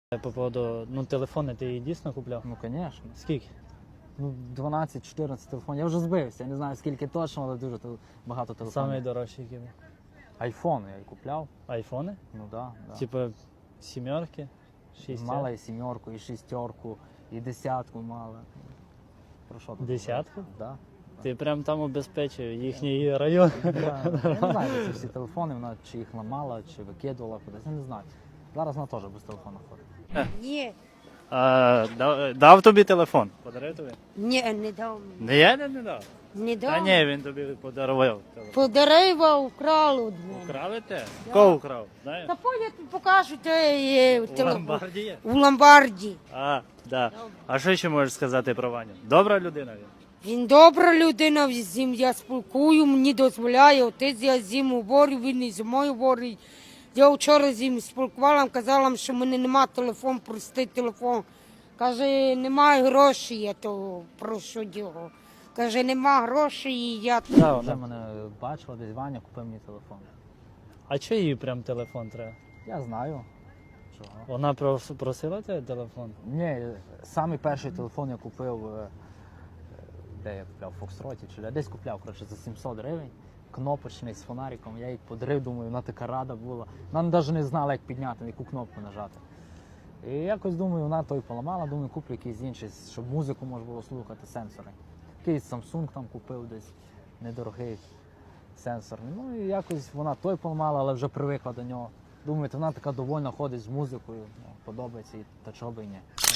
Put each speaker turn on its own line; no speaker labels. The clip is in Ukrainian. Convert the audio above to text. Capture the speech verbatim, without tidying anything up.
По поводу, ну, телефони ти її дійсно купляв?
Ну, звісно.
Скільки?
Ну, дванадцять-чотирнадцять телефонів. Я вже збився, я не знаю скільки точно, але дуже тел- багато телефонів.
Самий дорожчий який був?
Айфон я й купляв.
Айфони?
Ну да, да.
Типа сімерки, шістя?
Мала і сімерку, і шістерку, і десятку мала. Про що тут?
Десятку?
Да.
Ти прям там убезпечив їхній район.
Да. Я не знаю, де ці всі телефони, вона чи їх ламала, чи викидувала кудись, я не знаю. Зараз вона теж без телефону ходить.
Ні,
А, дав, дав тобі телефон? Подарив тобі?
ні, не дав. мені.
Не я не, не дав.
Не
Та
дав.
ні, він тобі подарував телефон.
Подарива украли від мене.
Украли те? Кого украв? Знаєш?
Та по я тобі покажу, де є
У
телефон.
ломбарді є?
У ломбарді.
А, да. А що ще можеш сказати про Ваню? Добра людина він?
Він добра людина, з ним я спілкую, мені дозволяє. Отець я з ним говорю, він і зі мною говорить. Я вчора з ним спілкувала, казала, що в мене немає телефон, простий телефон. Каже, немає грошей, я то прошу його. Каже, нема грошей, і я...
Да,
Вже
вона.
мене бачила, десь Ваня купив мені телефон.
А чого їй прям телефон треба?
Я знаю. Чого?
Вона прос- просила тебе телефон?
Ні, самий перший телефон я купив, е, де я купляв, в Фокстроті, чи де- десь купляв, коротше, за сімсот гривень. Кнопочний з фонариком, я їй подарив, думаю, вона така рада була. Вона навіть не знала, як підняти, на яку кнопку нажати. І якось думаю, вона той поламала, думаю, куплю якийсь інший, щоб музику можна було слухати, сенсори. Якийсь Samsung там купив десь, недорогий сенсорний. Ну і якось вона той поламала, але вже привикла до нього. Думаю, вона така довольна ходить з музикою, ну, подобається їй, та чого би і ні.